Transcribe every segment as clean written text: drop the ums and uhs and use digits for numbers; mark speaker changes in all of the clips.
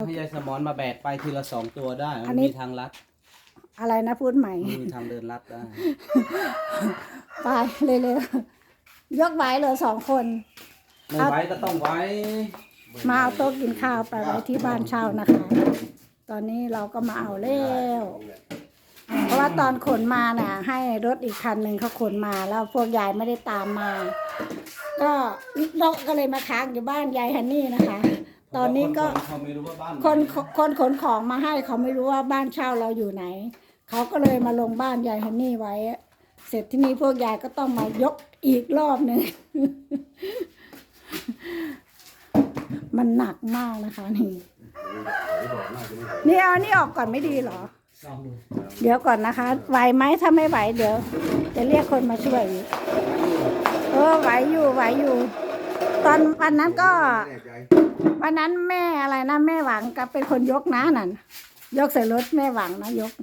Speaker 1: ให้ยายสมอนมาแบกไปทีละ2 ตัวได้มันมีทางลัด
Speaker 2: อะไรนะพูดใหม่
Speaker 1: มีทางเดินลัดได้
Speaker 2: ไปเร็วๆยกไหวเลย2 คน
Speaker 1: ไม่ไหวก็ต้องไหว
Speaker 2: มาเอาโต๊ะกินข้าวไปไว้ที่บ้านเช่านะคะตอนนี้เราก็มาเอาแล้วเพราะว่าตอนขนมาน่ะให้รถอีกคันหนึ่งเขาขนมาแล้วพวกยายไม่ได้ตามมาก็นกก็เลยมาค้างอยู่บ้านยายฮันนี่นะคะ ตอนนี้ก็คนขนของมาให้เขาไม่รู้ว่าบ้านเช่าเราอยู่ไหนเขาก็เลยมาลงบ้านยายฮันนี่ไว้เสร็จที่นี่พวกยายก็ต้องมายกอีกรอบหนึ่ง มันหนักมากนะคะนี่เอานี่ออกก่อนไม่ดีเหรอเดี๋ยวก่อนนะคะไหวไหมถ้าไม่ไหวเดี๋ยวจะเรียกคนมาช่วยไหวอยู่ตอนวันนั้นก็วันนั้นแม่อะไรนะแม่หวังก็เป็นคนยกนะนั่นยกใส่รถแม่หวังนะยก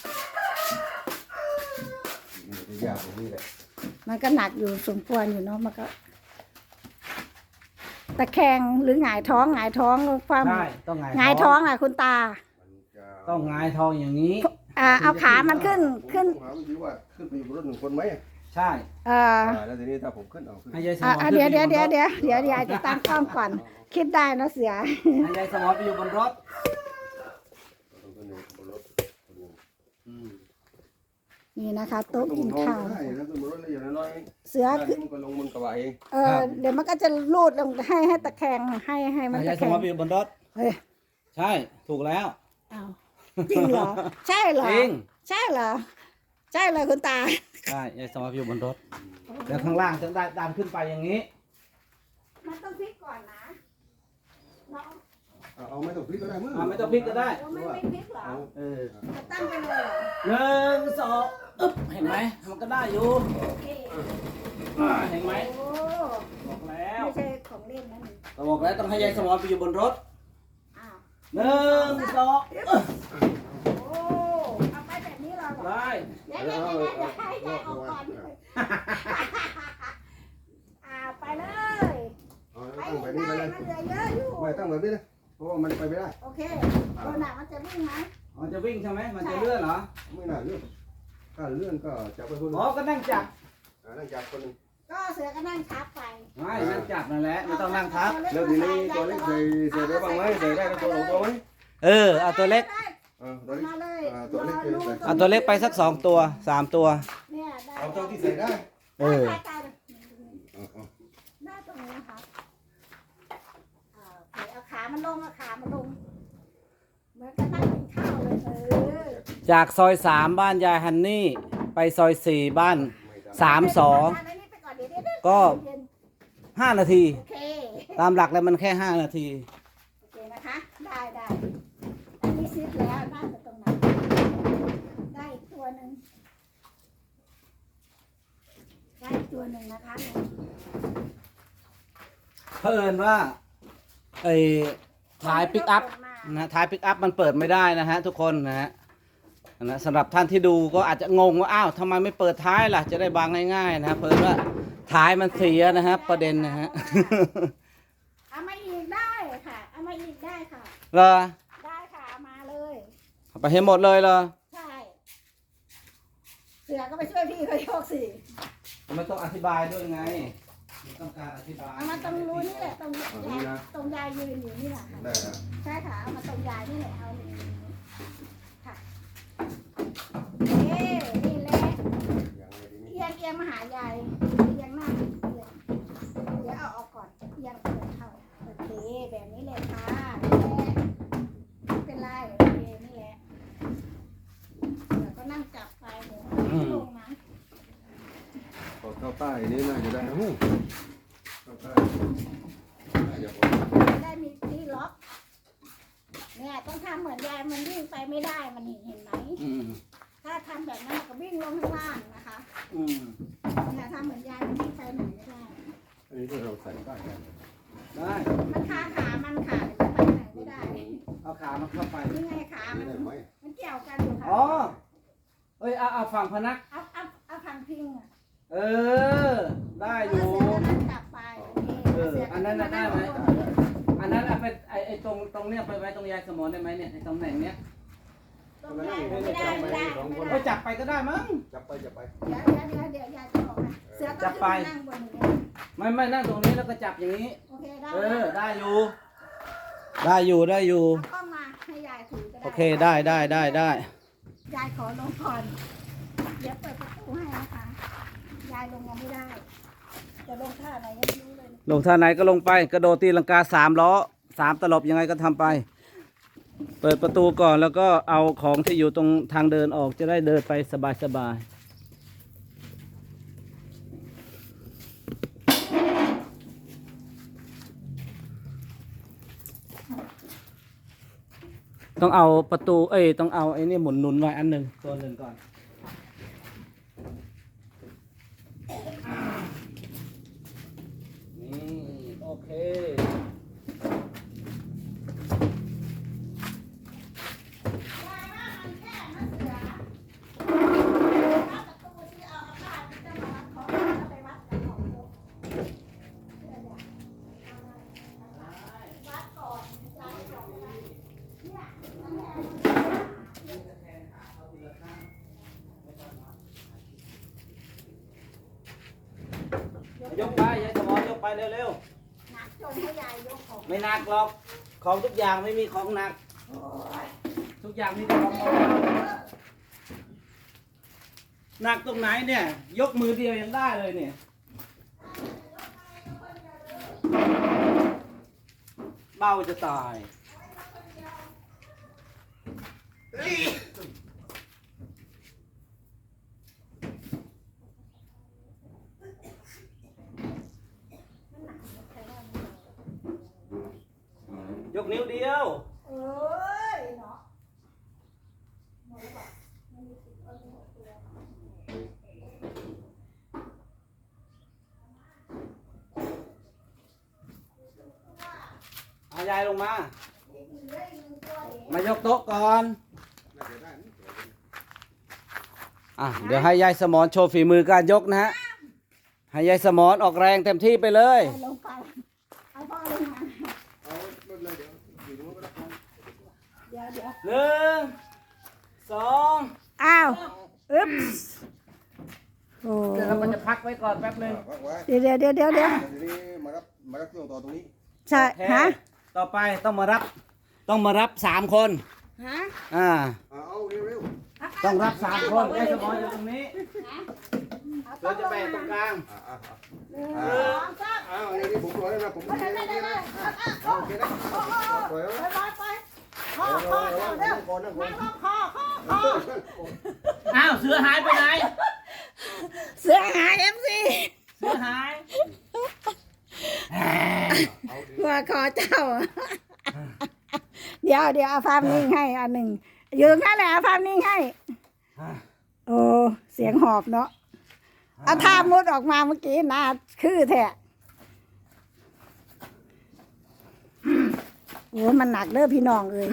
Speaker 2: มันก็หนักอยู่สมควรอยู่เนาะมันก็ตะแคงหรือหงายท้องความหงายท้องอ่ะคุณตา
Speaker 1: ต้องหงายท้องอย่างนี้
Speaker 2: เอาขามันขึ้น
Speaker 3: ขึ้นไปอยู่บนรถ1 คนไหม
Speaker 1: ใช่
Speaker 3: แล้วทีนี้ถ้าผมขึ้น
Speaker 1: ให้ยายสมอน
Speaker 2: เดี๋ยวจะตั้งกล้องก่อนคิดได้นะเสือ
Speaker 1: ให้ยายสมอนไปอยู่บนรถ
Speaker 2: นี่นะคะโต๊ะกินข้าวเสือคือเดี๋ยวมันก็จะลูดลงให้ตะแคงให้มันตะแคง
Speaker 1: ยายสมอนไปอยู่บนรถใช่ถูกแล้ว
Speaker 2: จริงเหรอใช่เหรอ
Speaker 1: จริง
Speaker 2: ใช่เหรอใช่เลยคุณตา
Speaker 1: ใช่ยายสมอนอยู่บนรถแล้วข้างล่างจะได้ตามขึ้นไปอย่างนี้
Speaker 2: มันต้องพลิกก่อนนะ
Speaker 3: เอาไม่ต้องพลิกก็ได้มั้ง
Speaker 1: ไม่ต้องพลิกก็ได้
Speaker 2: ไม่พลิกเหรอจะตั้งไปเลย
Speaker 1: เหรอ1 2เห็นไหมมันก็ได้อยู่เห็นไหมบอกแล้ว
Speaker 2: ไม่ใช่ของเล่นนะนี่
Speaker 1: บอกแล้วต้องให้ยายสมอนไปอยู่บนรถ1 2
Speaker 2: เอาไปแบบนี้เลย
Speaker 1: ได้
Speaker 2: ยายออกก่อนไปเลยไปได้มันเหลือเยอะอยู่
Speaker 3: ไม่ตั้งแบบนี้นะเพราะว่ามันไปไม่ได้
Speaker 2: โอเคตัวหนักมันจะวิ่งไหม
Speaker 1: มันจะวิ่งใช่ไหมมันจะเลื่อนเหรอ
Speaker 3: ไม่น่าเลื่อนถ้าเลื่อนก็จับไปคนนึง
Speaker 1: ก็นั่งจับ
Speaker 3: คนนึง
Speaker 2: ก็เสือก็นั่งทับไป
Speaker 1: ไม่นั่งจับนั่นแหละไม่ต้องนั่งทับ
Speaker 3: แล้วทีนี้ตัวเล็กใส่ได้บ้างไหมใส่ได้ก็ตัวไหม
Speaker 1: เอาตัวเล็กเอาตัวเล็กไปสัก2 ตัว 3 ตัว
Speaker 3: เอาเท่าที่ใส่ได้
Speaker 2: ได้ตรงนี้นะคะเอาขามันลงเหมือนกับนั่งกินข้าวเลย
Speaker 1: จากซอย3บ้านยายฮันนี่ไปซอย4บ้าน3 2ก็5 นาทีตามหลักแล้วมันแค่5 นาที
Speaker 2: โอเคนะคะได้อันนี้ซิดแล้วน่าจะตรงนั้นได้อีกตัวหนึ่งนะคะ
Speaker 1: เพิ่นว่าท้ายปิกอัพนะท้ายปิกอัพมันเปิดไม่ได้นะฮะทุกคนนะฮะสำหรับท่านที่ดูก็อาจจะงงว่าอ้าวทำไมไม่เปิดท้ายล่ะจะได้บางง่ายๆนะเพิ่นว่าท้ายมันเสียนะครับประเด็นนะฮะ
Speaker 2: เอามาอีกได้ค่ะเอามาอีกได้ค่ะ
Speaker 1: เหรอ
Speaker 2: ได้ค่ะมาเลย
Speaker 1: ไปให้หมดเลยเหรอ
Speaker 2: ใช่เสือก็ไปช่วยพี่เขาโยกสิ
Speaker 1: ไม่ต้องอธิบายด้วยไงต้องการอธิบาย
Speaker 2: เอามาตรงนู้นนี่แหละตรงยายยืนอยู่นี่แหละใช่ค่ะเอามาตรงยายนี่แหละเอาค่ะนี่แหละเอียงมาหายายเอียงหน้าเดี๋ยวเอาออกก่อนเอียงเปิดเข้าโอเคแบบนี้เลยค่ะไม่เป็นไรโอเคนี่แหละเดี๋ยวก็นั่งจับไปเดี๋ยวลงนะ
Speaker 3: เข้าใต้นี่น่าจะได้เข้าใต้
Speaker 2: ได้มีที่ล็อกเนี่ยต้องทำเหมือนยายมันวิ่งไปไม่ได้มันเห็นไหมถ้าทำแบบนั้นก็วิ่งลงข้างล่างนะคะเนี่ยทำเหมือนยายมันวิ่งไปไหนไม่ได้
Speaker 3: อันนี้เราใส่ใต้
Speaker 1: ได้
Speaker 2: มันขามันขาดไปไหนไม่ได้
Speaker 1: เอาขามันเข้าไป
Speaker 2: นี่ไงขามันเกี่ยวกันอยู่ค่ะ
Speaker 1: เอาฝั่งพนัก
Speaker 2: เอาฝั่งพิง
Speaker 1: ได้อยู่
Speaker 2: จับไป
Speaker 1: อันนั้นได้ไหมอันนนั้นเอาไปไอ้ตรงเนี้ยไปไว้ตรงยายสมอนได้ไหมเนี่ยไอ้ตำแหน่งเนี้ย
Speaker 2: ต้องได้ไม่ได้
Speaker 1: เอ้ยจับไปก็ได้มั้ง
Speaker 3: จับไปจับไป
Speaker 2: เดี๋ยวยายจะบอกนะเสือต้องขึ้นนั่งบนนี้
Speaker 1: ไม่นั่งตรงนี้แล้วก็จับอย่างนี้
Speaker 2: โอเคได้
Speaker 1: ได้อยู่ ได้อยู่ได้อยู่
Speaker 2: ก็มาให้ยายถือก็ได้
Speaker 1: โอเคได้
Speaker 2: ยายขอลงก่อนเดี๋ยวเปิดประตูให้นะคะยายลงยังไม่ได้จะลงท่าไหนยังไม่รู้เลย
Speaker 1: ลงท่าไหนก็ลงไปกระโดดตีลังกา3 ล้อ3 ตลบยังไงก็ทำไป เปิดประตูก่อนแล้วก็เอาของที่อยู่ตรงทางเดินออกจะได้เดินไปสบายๆต้องเอาประตูต้องเอาไอ้นี่หมุนหนุนไว้อันหนึ่งตัวหนึ่งก่อนนี่โอเคยกไปยายสมอยกไปเร็ว
Speaker 2: หนักจนให้ยายยกของ
Speaker 1: ๆไม่หนักหรอกของทุกอย่างไม่มีของหนักทุกอย่างมีแต่ของเบาหนักตรงไหนเนี่ย ยกมือเดียวยังได้เลยเนี่ยเบาจะตายยกนิ้วเดียว
Speaker 2: เอ้ยเนาะ
Speaker 1: เอายายลงมา มายกโต๊ะก่อนเดี๋ยวให้ยายสมอนโชว์ฝีมือการยกนะฮะ ให้ยายสมอนออกแรงเต็มที่ไปเลย
Speaker 2: ลงไปเอาพ่อลงมา
Speaker 3: เอาไม่เป็นไรเดี๋ยวอยู่ตรงนู้นก็ได้
Speaker 2: เดี๋ยว
Speaker 1: 1 2
Speaker 2: อ้าวอึ๊บโอ้
Speaker 1: เดี๋ยวเราก็จะพักไว้ก่อนแป๊บหนึง
Speaker 3: วางไว้
Speaker 2: เดี๋ยว
Speaker 3: ทีนี้มารับเครื่องต่อตรงนี้
Speaker 2: ใช่
Speaker 1: โอเค
Speaker 2: ฮะ
Speaker 1: ต่อไปต้องมารับ3 คน
Speaker 2: ฮะ
Speaker 3: เอาเร็ว
Speaker 1: ต้องรับ3 คนยายสมอนอยู่ตรงนี้เราจะแบ่งตรงกลาง
Speaker 3: เดี๋ยวนี้ผมรอแล้วนะผมรอแล้วนะโอเคนะปล่อยแล้ว
Speaker 2: ไปพ่อเร็ว
Speaker 3: ก่อนนะก่อน
Speaker 2: พ่อ
Speaker 1: อ้าวเสือหายไปไหน
Speaker 2: เสือหายMC
Speaker 1: เสือหาย
Speaker 2: หัวคอเจ้า เดี๋ยวเอาภาพนิ่งให้อันหนึ่งยืนนั่นแหละเอาภาพนิ่งให้ โอ้เสียงหอบเนาะเอาท่ามุดออกมาเมื่อกี้น่าคือแท้โอ้มันหนักเด้อพี่น้องเอ้ย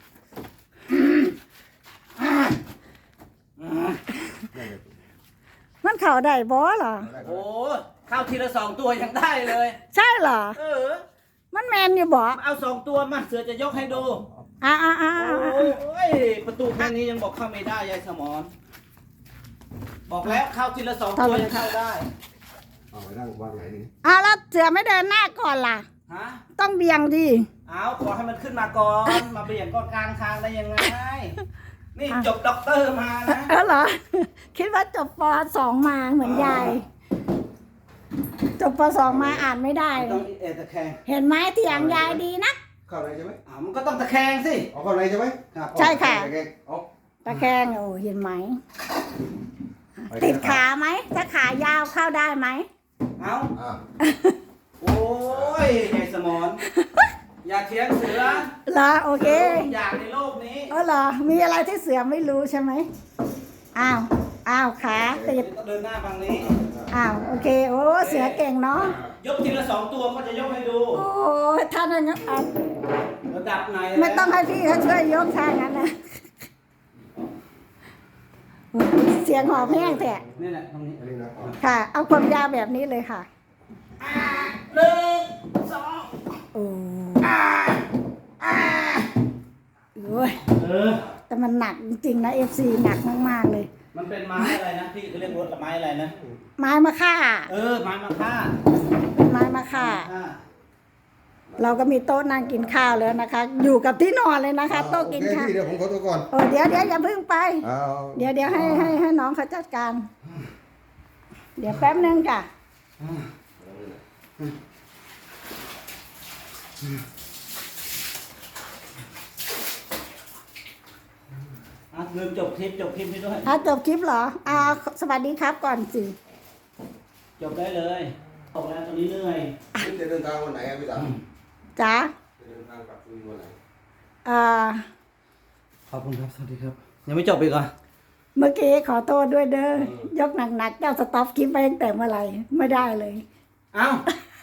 Speaker 2: มันเข่าได้บ่เหรอ
Speaker 1: โอ้เข้าทีละ2 ตัวยังได้เลย
Speaker 2: ใช่เหรอ มันแมนอยู่บ่
Speaker 1: เอา 2 ตัวมาเสือจะยกให้ดู
Speaker 2: อ่า
Speaker 1: โอ้ยประตูแค่นี้ยังบอกเข้าไม่ได้ยายสมอนบอกแล้วเข้าทีละ2 ตัวยังเข้าได้
Speaker 3: เอาไว้นั่งวางไหนนี่
Speaker 2: แล้วเสือไม่เดินหน้าก่อนล่ะ
Speaker 1: ฮะ
Speaker 2: ต้องเบี่ยงดิ
Speaker 1: เอาขอให้มันขึ้นมาก่อน มาเบี่ยงก็กลางทางได้ยังไง นี่จบด็อกเตอร์มานะ
Speaker 2: เหรอ คิดว่าจบป .2 มาเหมือนยาย จบป .2 มาอ่านไม่ได้
Speaker 1: ต้องตะแคง
Speaker 2: เห็นไหมเถียงยายดีนะ
Speaker 3: เข้าไหนใช่ไหม
Speaker 1: มันก็ต้องตะแคงสิ
Speaker 3: เอาเข้าไหนใช่ไหม
Speaker 1: ครับ
Speaker 2: ใช่ค่ะ
Speaker 3: เอา
Speaker 2: ตะแคงโอ้เห็นไหม ติดขาไหม ถ้าขายาวเข้าได้ไหม
Speaker 1: เอา
Speaker 3: อ่า
Speaker 1: โอ้ยยายสมอนอย่าเถียงเสือ
Speaker 2: เหรอโอเค
Speaker 1: ทุกอย่างในโลกนี้
Speaker 2: เหรอ มีอะไรที่เสือไม่รู้ใช่ไหมอ้าวขาติด
Speaker 1: ต้องเดินหน้าฝั่งนี้
Speaker 2: โอเค โอ้เสือเก่งเนาะ
Speaker 1: ยกทีละ2 ตัวก็จะยกให้ดู
Speaker 2: โอ้ท่านนั้น
Speaker 1: ระดับไหน
Speaker 2: ไม่ต้องให้พี่เขาช่วยยกทางนั้นนะเสียงหอบแห้งแท้
Speaker 1: นี่แหละตรงนี้
Speaker 3: อันนี้นะ
Speaker 2: ค่ะ เอาความยาวแบบนี้เลยค่ะ
Speaker 1: 1 2
Speaker 2: โอ้โอ้ย
Speaker 1: เออ
Speaker 2: แต่มันหนักจริงๆนะ FC หนักมากๆเลย
Speaker 1: มันเป็นไม้อะไรนะพี่เขาเรียกรถไม้อะไรนะ
Speaker 2: ไม้มะค่า
Speaker 1: เออไม้มะค่า
Speaker 2: เป็นไม้มะค่า เราก็มีโต๊ะนั่งกินข้าวแล้วนะคะ อยู่กับที่นอนเลยนะคะ โต๊ะกิน
Speaker 3: โอเค
Speaker 2: ข้าว
Speaker 3: พี่เดี๋ยวผมขอตัวก่อน
Speaker 2: เดี๋ยวอย่าเพิ่งไป
Speaker 3: เอา
Speaker 2: เดี๋ยวให้น้องเขาจัดการ เดี๋ยวแป๊บนึงจ้ะ
Speaker 1: ลืมจบคลิปให้ด้วย
Speaker 2: จบคลิปเหรอสวัสดีครับก่อนสิ
Speaker 1: จบได้เลยออกแล้วตอนนี้เหนื่อย
Speaker 3: พี่จะเดินทางวันไหนครับพี่ตา
Speaker 2: จ๋า
Speaker 3: จะเดินทางกลับสุรินทร์วันไหน
Speaker 1: ขอบคุณครับสวัสดีครับ ยังไม่จบอีกเหรอ
Speaker 2: เมื่อกี้ขอโทษด้วยเด้อยกหนักๆเจ้าสต็อปคลิปไปตั้งแต่เมื่อไหร่ไม่ได้เลย
Speaker 1: เอ้า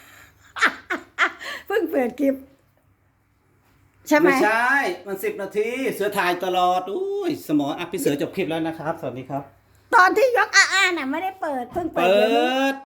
Speaker 2: เพิ่งเปิดคลิป ใช่ไหม
Speaker 1: ไม่ใช่ มัน10 นาที เสือถ่ายตลอดอุ้ยสมองพี่เสือจบคลิปแล้วนะครับ สวัสดีครับ
Speaker 2: ตอนที่ยกน่ะไม่ได้เปิดเพิ่งเปิ
Speaker 1: เปิ
Speaker 2: ดเดี๋ยวนี้
Speaker 1: ด